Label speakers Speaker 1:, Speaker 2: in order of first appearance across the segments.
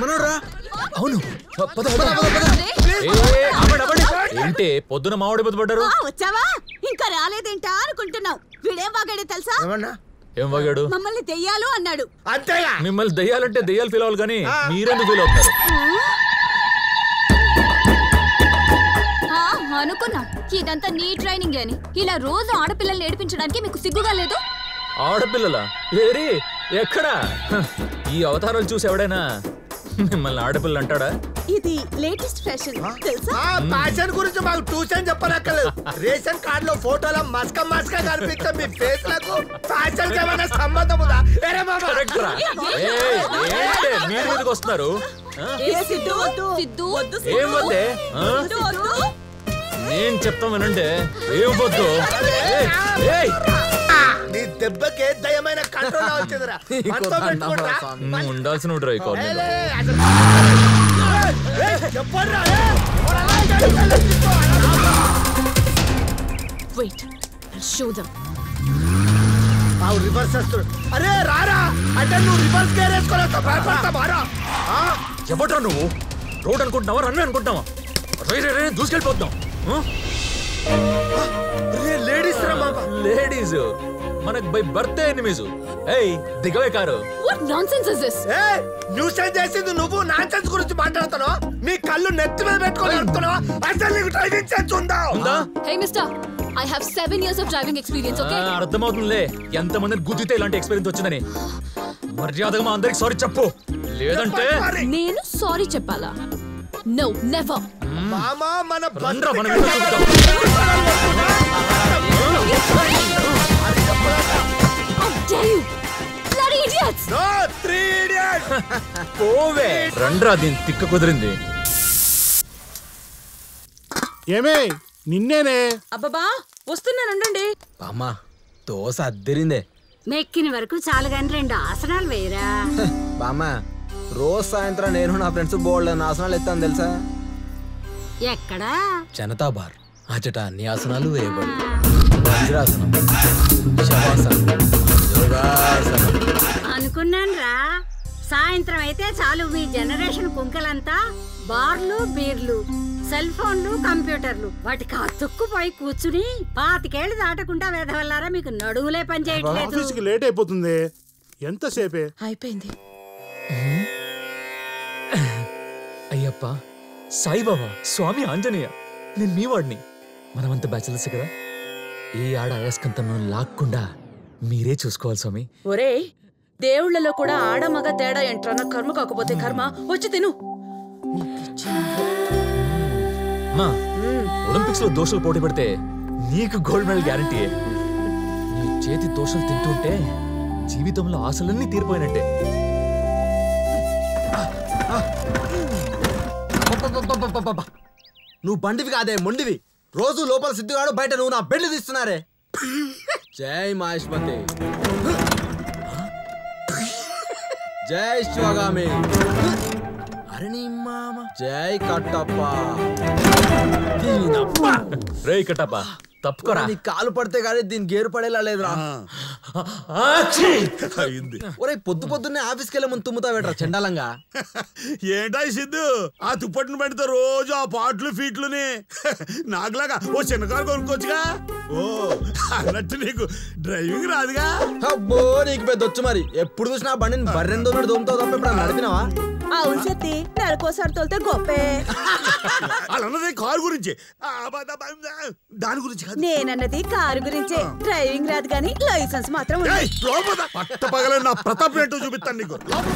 Speaker 1: మనోరా?
Speaker 2: అవును. ఏంటి పొద్దున మామిడి బుద్ధ పడ్డారు?
Speaker 3: వచ్చావా? ఇంకా రాలేదేంటా అనుకుంటున్నావు. వీడేం వాగాడే తెలుసా?
Speaker 2: ఏం వాగాడు?
Speaker 3: మమ్మల్ని దెయ్యాలు అన్నాడు.
Speaker 1: అంతేగా.
Speaker 2: మిమ్మల్ని దెయ్యాలంటే దెయ్యాలు ఫీల్ అవ్వాలి కానీ మీరెందుకు ఫీల్ అవుతారు?
Speaker 4: అనుకున్నా ఇదంతా నీ ట్రైనింగ్ అని. ఇలా రోజు ఆడపిల్లల్ని ఏడిపించడానికి మీకు సిగ్గుగా లేదు?
Speaker 2: ఆడపిల్లలా? ఏరి ఎక్కడా? ఈ అవతారాలు చూసి ఎవడైనా మిమ్మల్ని ఆడపిల్ల అంటాడా?
Speaker 3: ఇది లేటెస్ట్ ఫ్యాషన్ తెలుసా?
Speaker 1: ఫ్యాషన్ గురించి మాకు ట్యూషన్ చెప్పనక్కర్లేదు. రేషన్ కార్డు లో ఫోటోలో మస్క మస్క కనిపించే మీ ఫేస్ లకు ఫ్యాషన్ కి ఏమైనా సంబంధం ఉందా?
Speaker 2: మీరు మీదకి వస్తున్నారు. ఏం వద్దే? నేను చెప్తాం వినండి. ఏం వద్దు.
Speaker 1: నీ దెబ్బకే దయమైన కంట్రోల్ వచ్చిందిరా.
Speaker 2: ఉండాల్సిన
Speaker 1: రివర్స్ వస్తాడు. అరే రారా అంటే నువ్వు రివర్స్ గేర్ వేసుకోలేస్తా భయపడతా బారా.
Speaker 2: చెప్పట్రా నువ్వు రోడ్ అనుకుంటున్నావా రన్వే అనుకుంటున్నావా? దూసుకెళ్ళిపోతున్నావు.
Speaker 1: లేడీస్ రా బాబా.
Speaker 2: లేడీస్ మనకు బై బర్త్డే ఎనిమీస్. ఏయ్ దిగవే కారు.
Speaker 4: What nonsense is this?
Speaker 1: Nuisance చేసింది నువ్వు. నాన్సెన్స్ గురించి మాట్లాడుతున్నావు. నీ కళ్ళు నెత్తి మీద పెట్టుకొని అడుగుతున్నావా? అసలు నీకు డ్రైవింగ్ సెన్స్ ఉందా?
Speaker 4: Hey mister, I have 7 years of driving experience, okay?
Speaker 2: అర్థమవుతుందిలే ఎంతమందిని గుద్దితే ఇలాంటి ఎక్స్పీరియన్స్ వచ్చిందని. మర్యాదగా మా అందరికి సారీ చెప్పు, లేదంటే
Speaker 4: నేను సారీ చెప్పాలా? No, never.
Speaker 1: మామా మన
Speaker 2: బండ్రా మనం
Speaker 4: How dare you? Bloody idiots!
Speaker 1: No, 3 idiots.
Speaker 2: పోవే రండ్రా దీని తిక్క కుదిరింది.
Speaker 5: ఏమే నిన్నేనే.
Speaker 3: అబ్బబ్బా వస్తున్నానుండండి.
Speaker 6: అమ్మా దోశ అద్దరిందే.
Speaker 3: మెక్కిన వరకు చాలు గాని 2 ఆసనాలు వేయరా.
Speaker 6: బామ్మ రోజు సాయంత్రం నేను నా ఫ్రెండ్స్ బోల్డ్ ఆసనాలు ఎత్తాను తెలుసా?
Speaker 3: ఎక్కడా?
Speaker 6: జనతా బార్ అచట అన్ని ఆసనాలు వేయబడి వజ్రాసనం, శవాసనం, యోగాసనం.
Speaker 3: అనుకున్నాను రా. సాయంత్రం అయితే చాలు మీ జనరేషన్ కుంకలంతా బార్లు బీర్లు సెల్ ఫోన్లు కంప్యూటర్లు వాటికి అతుక్కుపోయి కూర్చుని 25 ఏళ్ళు దాటకుండా వేదవల్లారా మీకు నడువులే పని చేయట్లేదు.
Speaker 5: ఆఫీస్కి లేట్ అయిపోతుంది. ఎంతసేపే
Speaker 3: అయిపోయింది.
Speaker 2: అయ్యప్ప సాయిబాబా స్వామి ఆంజనేయ నేను మీ వాడిని. మనమంతా బ్యాచిలర్స్ కదా. ఏ ఆడ అయస్కంతను లాక్కుండా మీరే చూసుకోవాలి స్వామి.
Speaker 3: ఒరే దేవుళ్లలో కూడా ఆడ మగ తేడా ఏంట్రా? నా కర్మ కాకపోతే కర్మ. వచ్చి తిను.
Speaker 2: ఒలింపిక్స్ లో దోషలు పోటీ పెడితే నీకు గోల్డ్ మెడల్ గ్యారంటీ. నీ చేతి దోషలు తింటుంటే జీవితంలో ఆశలన్నీ తీరిపోయినట్టే.
Speaker 6: నువ్వు బండివి కాదే మొండివి. రోజు లోపల సిద్ధుగాడు బయట నువ్వు నా బెండ్ తీస్తున్నారే. జై మహేష్మతి, జై శివగామి, అరే నీ మామ, జై కట్టప్ప.
Speaker 2: రే కట్టప్ప తప్పుకోరా.
Speaker 6: నీ కాలు పడితే గానీ దీని గేరు పడేలా లేదురా. ఒరే పొద్దు పొద్దున్నే ఆఫీస్కి వెళ్ళే ముందు తుమ్ముతా పెట్టరా చండాలంగా.
Speaker 7: ఏంటా సిద్ధు ఆ తుప్పటిని పెడితే రోజు ఆ పాటలు ఫీట్లుని నాకులాగా ఓ చిన్న కారు కొనుక్కోవచ్చుగా. ఓ అన్నట్టు నీకు డ్రైవింగ్ రాదుగా?
Speaker 6: అబ్బో నీకు పెద్ద వచ్చు మరి. ఎప్పుడు చూసినా బండిని బర్రెందో దొమ్ముతావు తప్ప ఇప్పుడు నడిపినావా?
Speaker 3: అవును సత్తి నెలకోసారి తోలితే గొప్పే.
Speaker 7: అలా కారు గురించి దాని గురించి
Speaker 3: నేనన్నది కారు గురించే. డ్రైవింగ్ రాదు గానీ లైసెన్స్ మాత్రం ఉంది.
Speaker 7: పట్ట పగల నా ప్రతాప్ ఏంటో చూపిస్తాను నీకు.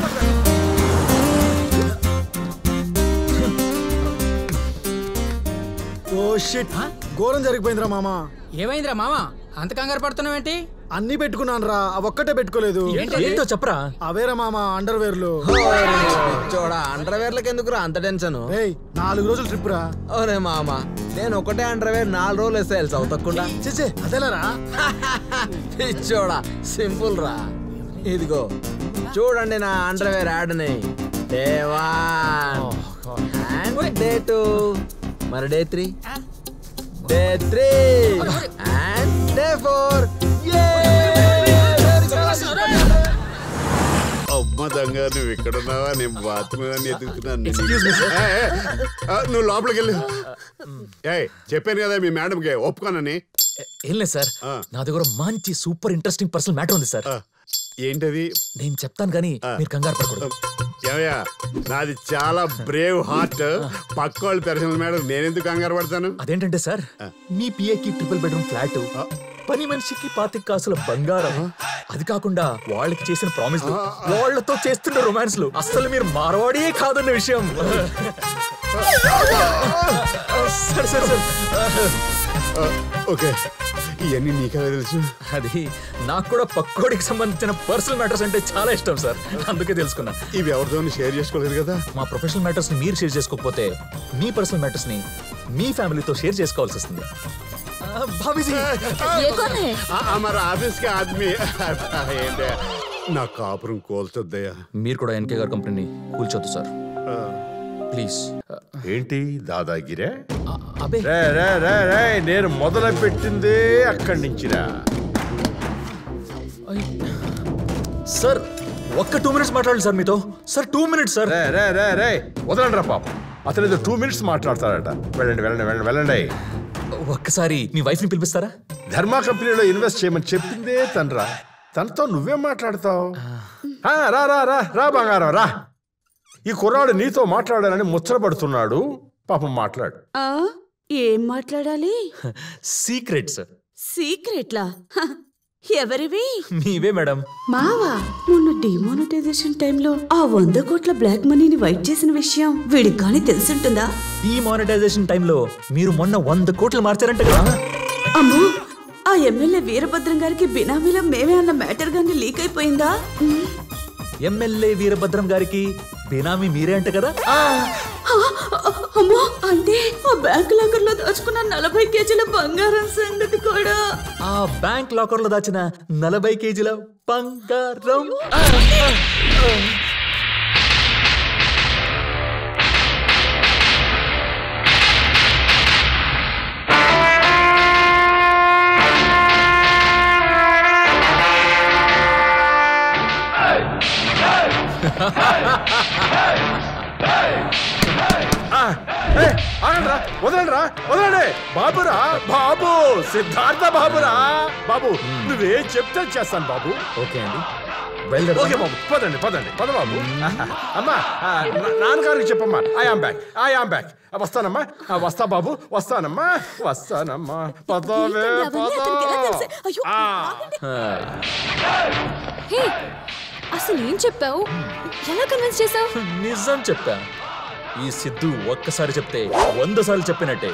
Speaker 5: ఓ షిట్, ఘోరం జరిగిపోయిందిరా మామా.
Speaker 8: ఏమైందిరా మామా అంత కంగారు పడుతున్నావేంటి?
Speaker 5: అన్ని పెట్టుకున్నాను రా, అవొక్కటే పెట్టుకోలేదు.
Speaker 2: ఏంటో చెప్పరా.
Speaker 5: అవేరా మామా అండర్వేర్లు.
Speaker 6: చూడా అండర్వేర్లకి ఎందుకురా అంత టెన్షన్?
Speaker 5: 4 రోజులు ట్రిప్ రా.
Speaker 6: ఓరే మామా నేను ఒకటే అండర్వేర్ 4 రోజులు వేస్తే అవుతకుండా.
Speaker 5: చేసే అదేలారా.
Speaker 6: చూడా సింపుల్ రా. ఇదిగో చూడండి నా అండర్వేర్ యాడ్ని. డే 1 డే 2 మరి డే 3 డే 3 అండ్ డే 4.
Speaker 7: అమ్మ దొంగ నువ్వు ఇక్కడ ఉన్నావా? నేను బాత్రూమ్ ఎదుగుతున్నాను. నువ్వు లోపలికి వెళ్ళు. చెప్పాను కదా మీ మేడంకి ఒప్పుకోనని.
Speaker 2: ఏం లేదు సార్, నా దగ్గర మంచి సూపర్ ఇంట్రెస్టింగ్ పర్సనల్ మ్యాటర్ ఉంది సార్.
Speaker 7: ఏంటది?
Speaker 2: నేను చెప్తాను కానీ మీరు కంగారు పడకూడదు.
Speaker 7: ఏమయ్యా, నాది చాలా బ్రేవ్ హార్ట్. పక్క వాళ్ళు పర్సనల్ మేడం, నేనెందుకు కంగారు పడతాను?
Speaker 2: అదేంటంటే సార్, మీ పిఏకి ట్రిపుల్ బెడ్రూమ్ ఫ్లాట్, పని మనిషికి 25 కాసుల బంగారం, అది కాకుండా వాళ్ళకి చేసిన ప్రామిస్, వాళ్ళతో చేస్తున్న రొమాన్స్లు, అస్సలు మీరు మార్వాడే కాదన్న విషయం. సరే సరే సరే,
Speaker 7: ఓకే, ఇవన్నీ నీకెలా తెలుసు?
Speaker 2: అది నాకు కూడా పక్కోడికి సంబంధించిన పర్సనల్ మ్యాటర్స్ అంటే చాలా ఇష్టం సార్, అందుకే తెలుసుకున్నా.
Speaker 7: ఇవి ఎవరితో షేర్ చేసుకోలేదు కదా?
Speaker 2: మా ప్రొఫెషనల్ మ్యాటర్స్ ని మీరు షేర్ చేసుకోకపోతే మీ పర్సనల్ మ్యాటర్స్ ని మీ ఫ్యామిలీతో షేర్ చేసుకోవాల్సి వస్తుంది.
Speaker 7: మరి ఆఫీస్ కి ఆద్మీ ఏంటి నా కాపురం కోల్చొద్దయ్యా.
Speaker 2: మీరు కూడా ఎన్కే గారి కంపెనీని కూల్చొద్దు సార్ ప్లీజ్.
Speaker 9: ఏంటి దాదాగిరే?
Speaker 2: అబే
Speaker 9: నేను మొదలు పెట్టిందే అక్కడి నుంచిరా.
Speaker 2: సార్ ఒక్క 2 minutes మాట్లాడాలి సార్ మీతో. Sir 2 minutes sir.
Speaker 9: వదలండి రా పాపం, అతను ఏదో 2 minutes మాట్లాడతాడట. వెళ్ళండి వెళ్ళండి వెళ్ళండి వెళ్ళండి.
Speaker 2: ఒక్కసారి మీ వైఫ్ ని పిలిపిస్తారా?
Speaker 9: ధర్మా కంపెనీలో ఇన్వెస్ట్ చేయమని చెప్పిందే తనరా, తనతో నువ్వేం మాట్లాడతావు? రా రా రా రా బంగారం రా. ఈ కుర్రాడు నీతో మాట్లాడాలని ముచ్చటపడుతున్నాడు, పాపం మాట్లాడు.
Speaker 10: ఏం మాట్లాడాలి?
Speaker 2: Secret sir.
Speaker 10: సీక్రెట్లా? ఎవరివి?
Speaker 2: మీవే మేడం.
Speaker 10: మావా, మొన్న డిమానిటైజేషన్ టైంలో ఆ 100 కోట్ల బ్లాక్ మనీని వైట్ చేసిన విషయం వీడికి కానీ తెలుసుంటుందా?
Speaker 2: డిమానిటైజేషన్ టైంలో మీరు మొన్న 100 కోట్లు మార్చారంట కదా?
Speaker 10: అమ్మో, ఆ ఎమ్మెల్యే వీరభద్రం గారికి బినామీలో మేమే అన్న మ్యాటర్ గానీ లీక్ అయిపోయిందా?
Speaker 2: ఎమ్మెల్యే వీరభద్రం గారికి బినామీ మీరే అంట కదా?
Speaker 10: అమ్మో, అంటే ఆ బ్యాంక్ లాకర్ లో దాచుకున్న 40 కేజీల బంగారం సంగతి కూడా.
Speaker 2: ఆ బ్యాంక్ లాకర్ లో దాచిన 40 కేజీల బంగారం.
Speaker 9: వదలండి వదలండి. బాబురా బాబు, సిద్ధార్థ బాబురా బాబు, నువ్వేం చెప్తే చేస్తాను బాబు.
Speaker 2: ఓకే అండి,
Speaker 9: ఓకే బాబు, పదండి పదండి పద బాబు. అమ్మా నాన్నగారికి చెప్పమ్మా, ఐ ఆమ్ బ్యాక్. వస్తానమ్మా, వస్తా బాబు, వస్తానమ్మా వస్తానమ్మా. పదవే
Speaker 4: అసలు ఏం చెప్పావు? ఎలా కన్విన్స్ చేసావు?
Speaker 2: నిజం చెప్పా. ఈ సిద్ధు ఒక్కసారి చెప్తే 100 సార్లు చెప్పినట్టే.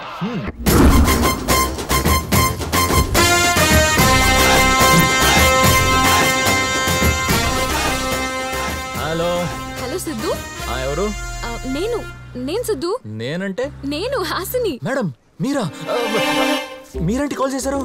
Speaker 2: Hello
Speaker 4: hello Siddhu.
Speaker 2: ఎవరు?
Speaker 4: నేను సిద్ధు.
Speaker 2: నేనంటే?
Speaker 4: నేను హాసిని.
Speaker 2: మేడం మీరా? మీరేంటి కాల్ చేశారు?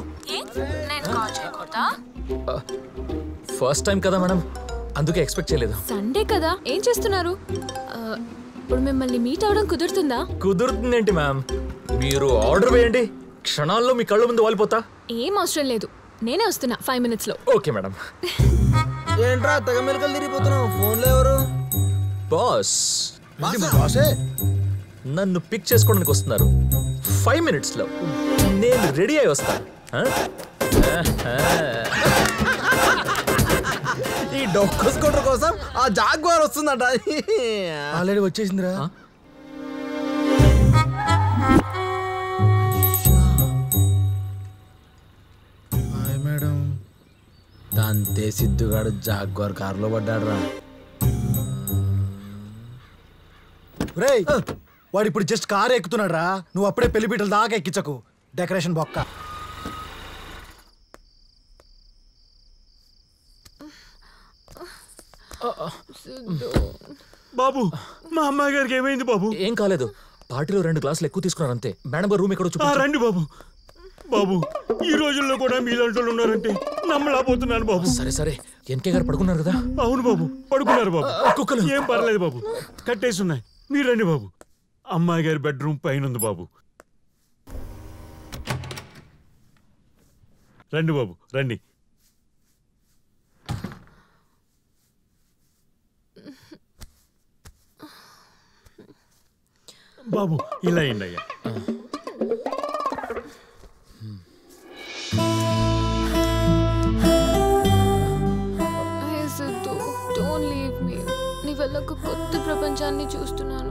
Speaker 2: ఫస్ట్ టైం కదా మేడం, అందుకే ఎక్స్పెక్ట్ చేయలేదు.
Speaker 4: సండే కదా, ఏం చేస్తున్నారు? ఇప్పుడు మిమ్మల్ని మీట్ అవడం కుదురుతుందా?
Speaker 2: కుదురుతుందేంటి మ్యామ్, మీరు ఆర్డర్ వేయండి, క్షణాల్లో మీ కళ్ళ ముందు వాలిపోతా.
Speaker 4: ఏం అవసరం లేదు, నేనే వస్తున్నా 5 minutes లో.
Speaker 2: Okay madam.
Speaker 6: ఏంట్రా తెగ మెలకలు తిరిగిపోతున్నావు? ఫోన్లో ఎవరు?
Speaker 2: బాస్.
Speaker 6: బాసే
Speaker 2: నన్ను పిక్ చేసుకోవడానికి వస్తున్నారు 5 minutes లో. నేను రెడీ అయి వస్తా.
Speaker 6: ఈ డొక్కు స్కూటర్ కోసం ఆ జాగ్వార్ వస్తుందట.
Speaker 5: ఆల్రెడీ వచ్చేసిందిరా. Hi madam.
Speaker 6: తంతే సిద్ధుగాడు జాగ్వార్ కారులో పడ్డాడు రా.
Speaker 5: రేయ్, వాడు ఇప్పుడు జస్ట్ కారు ఎక్కుతున్నాడు రా. నువ్వు అప్పుడే పెళ్లి పీటల దాకా ఎక్కించకు, డెకరేషన్ బొక్క.
Speaker 7: బాబు, మా అమ్మాయి గారికి ఏమైంది బాబు?
Speaker 2: ఏం కాలేదు, పార్టీలో 2 గ్లాసులు ఎక్కువ తీసుకున్నారు అంతే. మేడం గారు రూమ్ ఎక్కడ వచ్చి
Speaker 7: రండి బాబు. బాబు, ఈ రోజుల్లో కూడా మీలాంటి వాళ్ళు ఉన్నారంటే నమ్మలేకపోతున్నాను బాబు.
Speaker 2: సరే సరే, ఎన్కే గారు పడుకున్నారు కదా?
Speaker 7: అవును బాబు, పడుకున్నారు బాబు.
Speaker 2: కుక్కలు
Speaker 7: ఏం పర్లేదు బాబు, కట్టేసి ఉన్నాయి. మీరు రండి బాబు. అమ్మాయి గారి బెడ్రూమ్ పైన ఉంది బాబు. రండి బాబు రండి.
Speaker 2: బాబు ఇలా అయ్యా.
Speaker 11: Siddhu don't leave me. నీ వల్ల ఒక కొత్త ప్రపంచాన్ని చూస్తున్నాను.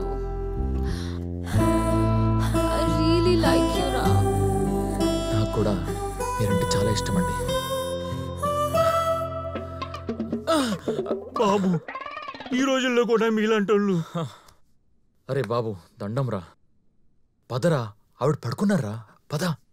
Speaker 11: ఐ రియలీ లైక్ యు రా.
Speaker 2: నాకు కూడా మీరంటే చాలా ఇష్టం అండి. బాబు ఈ రోజుల్లో కూడా మీలాంటి వాళ్ళు. అరే బాబు దండం రా, పదరా, ఆవిడ పడుకున్నారా, పద.